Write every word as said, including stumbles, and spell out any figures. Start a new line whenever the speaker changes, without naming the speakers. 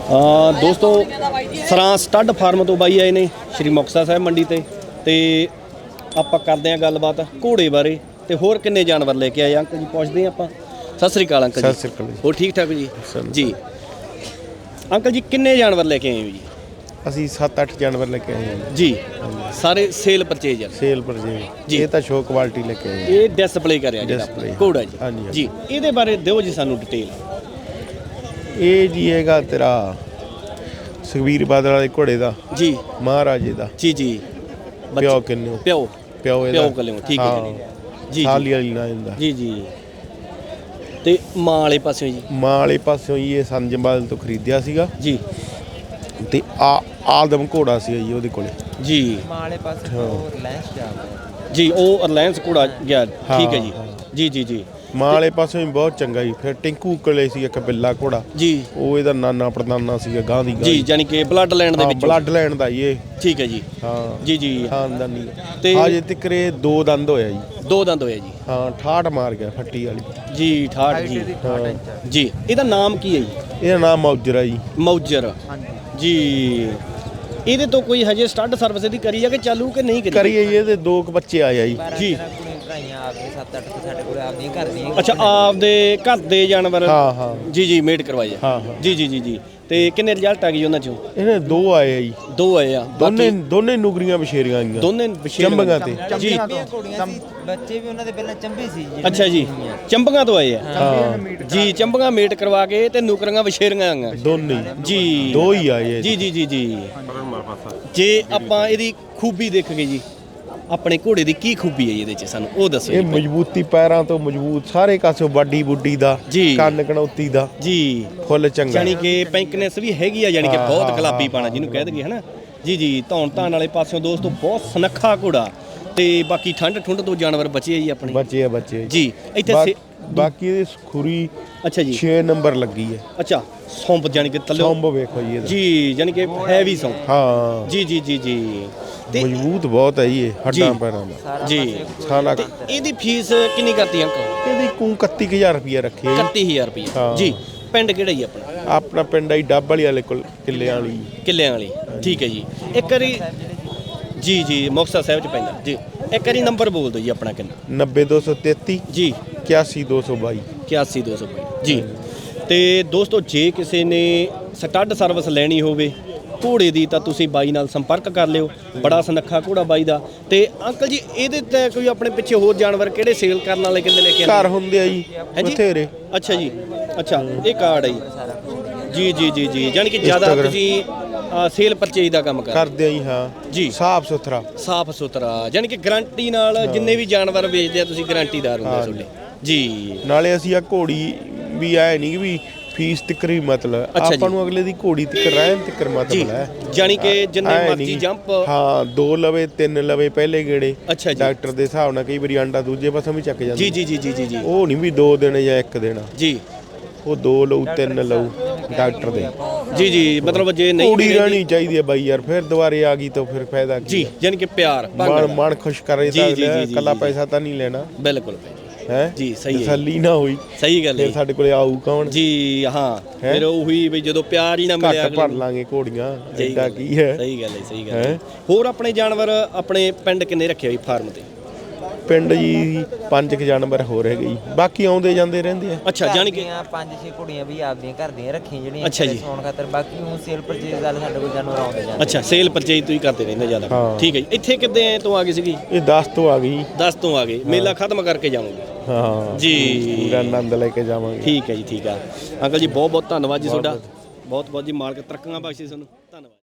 ਦੋਸਤੋ ਸਰਾਂ stud farm ਤੋਂ ਬਾਈ ਆਏ ਨੇ ਸ਼੍ਰੀ ਮੁਕਤਸਰ ਸਾਹਿਬ ਮੰਡੀ ਤੇ ਤੇ ਆਪਾਂ ਕਰਦੇ ਆਂ ਗੱਲਬਾਤ ਘੋੜੇ ਬਾਰੇ ਤੇ ਹੋਰ ਕਿੰਨੇ ਜਾਨਵਰ ਲੈ ਕੇ ਆਏ ਅੰਕਲ ਜੀ ਪੁੱਛਦੇ ਆਂ ਆਪਾਂ। ਸਤਿ ਸ੍ਰੀ ਅਕਾਲ ਅੰਕਲ ਜੀ।
ਸਤਿ ਸ੍ਰੀ ਅਕਾਲ ਜੀ।
ਹੋਰ ਠੀਕ ਠਾਕ ਜੀ? ਜੀ ਅੰਕਲ ਜੀ ਕਿੰਨੇ ਜਾਨਵਰ ਲੈ ਕੇ ਆਏ ਹੋ ਜੀ?
ਅਸੀਂ ਸੱਤ ਅੱਠ ਜਾਨਵਰ ਲੈ ਕੇ ਆਏ ਹਾਂ
ਜੀ। ਸਾਰੇ ਸੇਲ ਪਰਚੇਜ ਆ?
ਸੇਲ ਪਰ ਜੀ। ਇਹ ਤਾਂ ਸ਼ੋ ਕੁਆਲਿਟੀ ਲੈ ਕੇ ਆਏ
ਇਹ ਡਿਸਪਲੇ ਕਰਿਆ ਜਿਹੜਾ ਘੋੜਾ ਜੀ?
ਹਾਂਜੀ
ਜੀ। ਇਹਦੇ ਬਾਰੇ ਦਿਓ ਜੀ ਸਾਨੂੰ ਡਿਟੇਲ।
ਇਹ ਜੀ ਹੈਗਾ ਤੇਰਾ ਸੁਖਬੀਰ ਬਾਦਲ ਵਾਲੇ ਘੋੜੇ ਦਾ
ਜੀ,
ਮਹਾਰਾਜੇ ਦਾ।
ਜੀ ਜੀ।
ਪਿਓ ਕਿੰਨੂ
ਪਿਓ
ਪਿਓ ਇਹਦਾ
ਪਿਓ ਕੱਲਿਓ ਠੀਕ ਹੈ ਜੀ।
ਸਾਲੀ ਵਾਲੀ ਨਾ ਜਾਂਦਾ
ਜੀ ਜੀ। ਤੇ ਮਾਂ ਵਾਲੇ ਪਾਸਿਓਂ ਜੀ? ਮਾਂ
ਵਾਲੇ ਪਾਸਿਓਂ ਜੀ ਇਹ ਸੰਜਮਬਾਲ ਤੋਂ ਖਰੀਦਿਆ ਸੀਗਾ
ਜੀ
ਤੇ ਆ ਆਦਮ ਘੋੜਾ ਸੀ ਜੀ ਉਹਦੇ ਕੋਲੇ
ਜੀ।
ਮਾਂ ਵਾਲੇ ਪਾਸੇ ਉਹ ਰਿਲਾਇੰਸ ਜਾ
ਜੀ, ਉਹ ਰਿਲਾਇੰਸ ਘੋੜਾ ਗਿਆ ਠੀਕ ਹੈ ਜੀ। ਜੀ ਜੀ ਜੀ।
ਮਾਂ ਵਾਲੇ ਪਾਸੋਂ ਵੀ ਬਹੁਤ ਚੰਗਾ ਜੀ। ਫਿਰ ਟਿੰਕੂ ਕੋਲੇ ਸੀ ਇੱਕ ਬਿੱਲਾ ਘੋੜਾ ਜੀ, ਉਹ ਇਹਦਾ ਨਾਨਾ ਪੜਦਾਨਾ ਸੀਗਾ ਗਾਂ ਦੀ ਗਾਂ
ਜੀ, ਯਾਨੀ ਕਿ ਬਲੱਡ ਲੈਂਡ ਦੇ ਵਿੱਚ
ਬਲੱਡ ਲੈਂਡ ਦਾ ਇਹ ਠੀਕ
ਹੈ ਜੀ।
ਹਾਂ ਜੀ
ਜੀ।
ਖਾਨਦਾਨੀ ਤੇ ਅਜੇ ਤੱਕ ਇਹ ਦੋ ਦੰਦ ਹੋਇਆ ਜੀ। ਦੋ ਦੰਦ ਹੋਇਆ ਜੀ। ਹਾਂ ਠਾਠ ਮਾਰ ਗਿਆ ਫੱਟੀ ਵਾਲੀ ਜੀ। ਠਾਠ ਜੀ ਜੀ। ਇਹਦਾ ਨਾਮ ਕੀ ਹੈ ਜੀ? ਇਹਦਾ ਨਾਮ ਮੌਜਰ ਹੈ ਜੀ। ਮੌਜਰ ਜੀ। ਇਹਦੇ ਤੋਂ ਕੋਈ ਹਜੇ ਸਟੱਡ ਸਰਵਿਸ ਦੀ ਕਰੀ ਆ ਕਿ ਚਾਲੂ ਕਿ ਨਹੀਂ ਕਰੀ? ਕਰੀਏ ਜੀ। ਇਹਦੇ ਦੋ ਕੁ ਬੱਚੇ ਆਏ ਆ ਜੀ। ਜੀ
ਸੱਤ ਅੱਠ ਸਾਡੇ ਕੋਲ ਆਪਦੀਆਂ ਘਰ ਦੀਆਂ।
ਅੱਛਾ, ਆਪਦੇ ਘਰ ਦੇ ਜਾਨਵਰ?
ਹਾਂ ਹਾਂ ਜੀ
ਜੀ। ਮੇਡ ਕਰਵਾਏ ਆ? ਹਾਂ ਜੀ ਜੀ ਜੀ ਜੀ। ਤੇ ਕਿੰਨੇ ਰਿਜ਼ਲਟ ਆ ਗਏ ਉਹਨਾਂ ਚੋਂ? ਇਹਨੇ ਦੋ ਆਏ ਆ ਜੀ। ਦੋ ਆਏ ਆ? ਦੋਨੇ ਦੋਨੇ ਨੁਗਰੀਆਂ ਬਸ਼ੇਰੀਆਂ ਆਈਆਂ। ਦੋਨੇ ਚੰਬੀਆਂ ਤੇ ਜੀ।
ਬੱਚੇ ਵੀ ਉਹਨਾਂ ਦੇ ਪਹਿਲਾਂ ਚੰਬੀ ਸੀ ਜੀ।
ਅੱਛਾ ਜੀ, ਚੰਬੀਆਂ ਤੋਂ ਆਏ ਆ? ਹਾਂ ਜੀ। ਚੰਬੀਆਂ ਮੇਟ ਕਰਵਾ ਕੇ ਤੇ ਨੁਕਰੀਆਂ ਬਸ਼ੇਰੀਆਂ ਆਈਆਂ ਦੋਨੇ ਜੀ। ਦੋ ਹੀ ਆਏ ਜੀ ਜੀ ਜੀ ਜੀ। ਜੇ ਆਪਾਂ ਇਹਦੀ ਖੂਬੀ ਦੇਖਗੇ ਜੀ, ਆਪਣੇ ਘੋੜੇ ਦੀ ਕੀ ਖੂਬੀ ਹੈ ਇਹਦੇ ਚ ਸਾਨੂੰ ਉਹ ਦੱਸੋ।
ਇਹ ਮਜ਼ਬੂਤੀ ਪੈਰਾਂ ਤੋਂ ਮਜ਼ਬੂਤ ਸਾਰੇ ਕਾਸੋਂ ਬਾਡੀ ਬੁੱਡੀ ਦਾ ਕੰਨ ਕਣੌਤੀ ਦਾ ਜੀ ਫੁੱਲ ਚੰਗਾ। ਯਾਨੀ ਕਿ ਪੈਂਕਨੈਸ ਵੀ ਹੈਗੀ ਆ, ਯਾਨੀ ਕਿ ਬਹੁਤ ਗੁਲਾਬੀ ਪਾਣਾ ਜਿਹਨੂੰ ਕਹਿ ਦਈਏ ਹਨਾ ਜੀ ਜੀ। ਧੌਣ ਧਾਨ ਵਾਲੇ ਪਾਸਿਓਂ ਦੋਸਤੋ ਬਹੁਤ ਸੁਨੱਖਾ ਘੋੜਾ ਤੇ ਬਾਕੀ ਠੰਡ ਠੁੰਡ ਤੋਂ ਜਾਨਵਰ ਬਚੇ ਆ ਜੀ ਆਪਣੇ? ਬਚੇ ਆ ਬੱਚੇ ਜੀ। ਇੱਥੇ ਬਾਕੀ ਇਹਦੀ ਖੁਰੀ ਅੱਛਾ ਜੀ ਛੇ ਨੰਬਰ ਲੱਗੀ ਹੈ। ਅੱਛਾ, ਸੌਂਪ ਯਾਨੀ ਕਿ ਥੱਲੇ ਸੌਂਪ ਵੇਖੋ ਜੀ ਇਹਦਾ ਜੀ, ਯਾਨੀ ਕਿ ਹੈਵੀ ਸੌਂਪ। ਹਾਂ ਜੀ ਜੀ ਜੀ ਜੀ। ਮਜ਼ਬੂਤ ਬਹੁਤ ਹੈ ਜੀ ਇਹ ਹੱਡਾਂ ਪੈਰਾਂ ਦਾ ਜੀ। ਸਾਲਾ ਇਹਦੀ ਫੀਸ ਕਿੰਨੀ ਕਰਤੀ ਅੰਕਲ? ਇਹਦੀ ਕੂ ਇਕੱਤੀ ਹਜ਼ਾਰ ਰੁਪਏ ਰੱਖੀ ਹੈ। ਇਕੱਤੀ ਹਜ਼ਾਰ ਰੁਪਏ ਜੀ। ਪਿੰਡ ਕਿਹੜਾ ਜੀ ਆਪਣਾ? ਆਪਣਾ ਪਿੰਡ ਹੈ ਡੱਬ ਵਾਲੀ ਵਾਲੇ ਕੋਲ ਕਿੱਲਿਆਂ ਵਾਲੀ। ਕਿੱਲਿਆਂ ਵਾਲੀ ਠੀਕ ਹੈ ਜੀ। ਇੱਕ ਵਾਰੀ ਜੀ ਜੀ ਮੁਕਤਸਰ ਸਾਹਿਬ ਚ ਪੈਂਦਾ ਜੀ। ਇੱਕ ਵਾਰੀ ਨੰਬਰ ਬੋਲ ਦਿਓ ਜੀ ਆਪਣਾ ਕਿੰਨਾ? ਨੱਬੇ ਦੋ ਸੌ ਤੇਤੀ ਜੀ ਇਕਿਆਸੀ ਦੋ ਸੌ ਬਾਈ। ਇਕਿਆਸੀ ਦੋ ਸੌ ਬਾਈ ਜੀ। ਤੇ ਦੋਸਤੋ ਜੇ ਕਿਸੇ ਨੇ ਸਟੱਡ ਸਰਵਿਸ ਲੈਣੀ ਹੋਵੇ ਘੋੜੇ ਦੀ ਤਾਂ ਤੁਸੀਂ ਬਾਈ ਨਾਲ ਸੰਪਰਕ ਕਰ ਲਿਓ। ਬੜਾ ਸੁਨੱਖਾ ਘੋੜਾ ਬਾਈ ਦਾ। ਤੇ ਅੰਕਲ ਜੀ ਇਹਦੇ ਤੇ ਕੋਈ ਆਪਣੇ ਪਿੱਛੇ ਹੋਰ ਜਾਨਵਰ ਕਿਹੜੇ ਸੇਲ ਕਰਨ ਵਾਲੇ ਕਿੰਨੇ ਲੈ ਕੇ ਆਏ? ਘਰ ਹੁੰਦੇ ਆ ਜੀ ਬਥੇਰੇ। ਅੱਛਾ ਜੀ। ਅੱਛਾ, ਇਹ ਕਾਰਡ ਹੈ ਜੀ ਜੀ ਜੀ ਜੀ। ਯਾਨੀ ਕਿ ਜ਼ਿਆਦਾ ਤੁਸੀਂ ਸੇਲ ਪਰਚੇਜ ਦਾ ਕੰਮ ਕਰਦੇ ਆ ਜੀ? ਹਾਂ ਜੀ। ਸਾਫ ਸੁਥਰਾ ਸਾਫ ਸੁਥਰਾ ਯਾਨੀ ਕਿ ਗਰੰਟੀ ਨਾਲ ਜਿੰਨੇ ਵੀ ਜਾਨਵਰ ਵੇਚਦੇ ਆ ਤੁਸੀਂ ਗਰੰਟੀਦਾਰ ਹੁੰਦੇ ਤੁਹਾਡੇ ਜੀ। ਨਾਲੇ ਅਸੀਂ ਆ ਘੋੜੀ ਵੀ ਆਏ ਨਹੀਂ ਵੀ ਫੀਸ ਤਿੱਕਰ ਵੀ ਮਤਲਬ ਆਪਾਂ ਨੂੰ ਅਗਲੇ ਦੀ ਘੋੜੀ ਤਿੱਕਰ ਰਹਿਣ ਤਿੱਕਰ ਮਤਲਬ ਹੈ। ਯਾਨੀ ਕਿ ਜਿੰਨੇ ਮਰਜ਼ੀ ਜੰਪ ਹਾਂ ਦੋ ਲਵੇ ਤਿੰਨ ਲਵੇ ਪਹਿਲੇ ਗੇੜੇ ਡਾਕਟਰ ਦੇ ਹਿਸਾਬ ਨਾਲ ਕਈ ਵਾਰੀ ਆਂਡਾ ਦੂਜੇ ਪਾਸੋਂ ਵੀ ਚੱਕ ਜਾਂਦਾ ਜੀ ਜੀ ਜੀ ਜੀ ਜੀ। ਉਹ ਨਹੀਂ ਵੀ ਦੋ ਦਿਨ ਜਾਂ ਇੱਕ ਦਿਨ ਜੀ, ਉਹ ਦੋ ਲਊ ਤਿੰਨ ਲਊ ਡਾਕਟਰ ਦੇ ਜੀ ਜੀ। ਮਤਲਬ ਜੇ ਨਹੀਂ ਘੋੜੀ ਰਹਿਣੀ ਚਾਹੀਦੀ ਹੈ ਬਾਈ ਯਾਰ, ਫਿਰ ਦੁਬਾਰੇ ਆ ਗਈ ਤਾਂ ਫਿਰ ਫਾਇਦਾ ਕੀ ਜੀ। ਯਾਨੀ ਕਿ ਪਿਆਰ ਮਨ ਮਨ ਖੁਸ਼ ਕਰੇ ਤਾਂ ਕੱਲਾ ਪੈਸਾ ਤਾਂ ਨਹੀਂ ਲੈਣਾ। ਬਿਲਕੁਲ ਹੈ ਜੀ। ਸਹੀ ਹੈ, ਤਸੱਲੀ ਨਾ ਹੋਈ ਸਹੀ ਗੱਲ ਹੈ। ਸਾਡੇ ਕੋਲੇ ਆਊ ਕੌਣ ਜੀ? ਹਾਂ ਫਿਰ ਉਹੀ ਵੀ ਜਦੋਂ ਪਿਆਰ ਹੀ ਨਾ ਮਿਲਿਆ ਘੱਟ ਭਰ ਲਾਂਗੇ ਘੋੜੀਆਂ ਐਡਾ ਕੀ ਹੈ। ਸਹੀ ਗੱਲ ਹੈ ਸਹੀ ਗੱਲ ਹੈ। ਹੋਰ ਆਪਣੇ ਜਾਨਵਰ ਆਪਣੇ ਪਿੰਡ ਕਿੰਨੇ ਰੱਖੇ ਹੋਏ ਫਾਰਮ ਤੇ? ਪਿੰਡ ਜੀ ਪੰਜ ਕੁ ਜਾਨਵਰ ਹੋਰ ਹੈਗੇ ਜੀ, ਬਾਕੀ ਆਉਂਦੇ ਜਾਂਦੇ ਰਹਿੰਦੇ ਆ। ਅੱਛਾ, ਜਾਨੀ ਕਿ
ਪੰਜ ਛੇ ਕੁੜੀਆਂ ਵੀ ਆਪਦੀਆਂ ਘਰ ਦੀਆਂ ਰੱਖੀਆਂ ਜਿਹੜੀਆਂ ਸੌਣ ਖਾਤਰ। ਬਾਕੀ ਉਹ ਸੇਲ ਪਰਚੇਜ ਵਾਲੇ ਸਾਡੇ ਕੋਲ ਜਾਨਵਰ ਆਉਂਦੇ ਜਾਂਦੇ। ਅੱਛਾ, ਸੇਲ ਪਰਚੇਜ ਤੁਸੀਂ ਕਰਦੇ ਰਹਿੰਦੇ ਜ਼ਿਆਦਾ ਠੀਕ ਹੈ ਜੀ। ਇੱਥੇ ਕਿੱਦਾਂ ਤੋਂ ਆ ਗਈ ਸੀਗੀ? ਇਹ ਦਸ ਤੋਂ ਆ ਗਈ। ਦਸ ਤੋਂ ਆ ਗਏ, ਮੇਲਾ ਖਤਮ ਕਰਕੇ ਜਾਵਾਂਗੇ ਹਾਂ ਜੀ। ਪੂਰਾ ਆਨੰਦ ਲੈ ਕੇ ਜਾਵਾਂਗੇ। ਠੀਕ ਹੈ ਜੀ ਠੀਕ ਆ ਅੰਕਲ ਜੀ, ਬਹੁਤ ਬਹੁਤ ਧੰਨਵਾਦ ਜੀ ਤੁਹਾਡਾ। ਬਹੁਤ ਬਹੁਤ ਜੀ, ਮਾਲਕ ਤਰੱਕੀਆਂ ਬਖਸ਼ੇ ਤੁਹਾਨੂੰ। ਧੰਨਵਾਦ।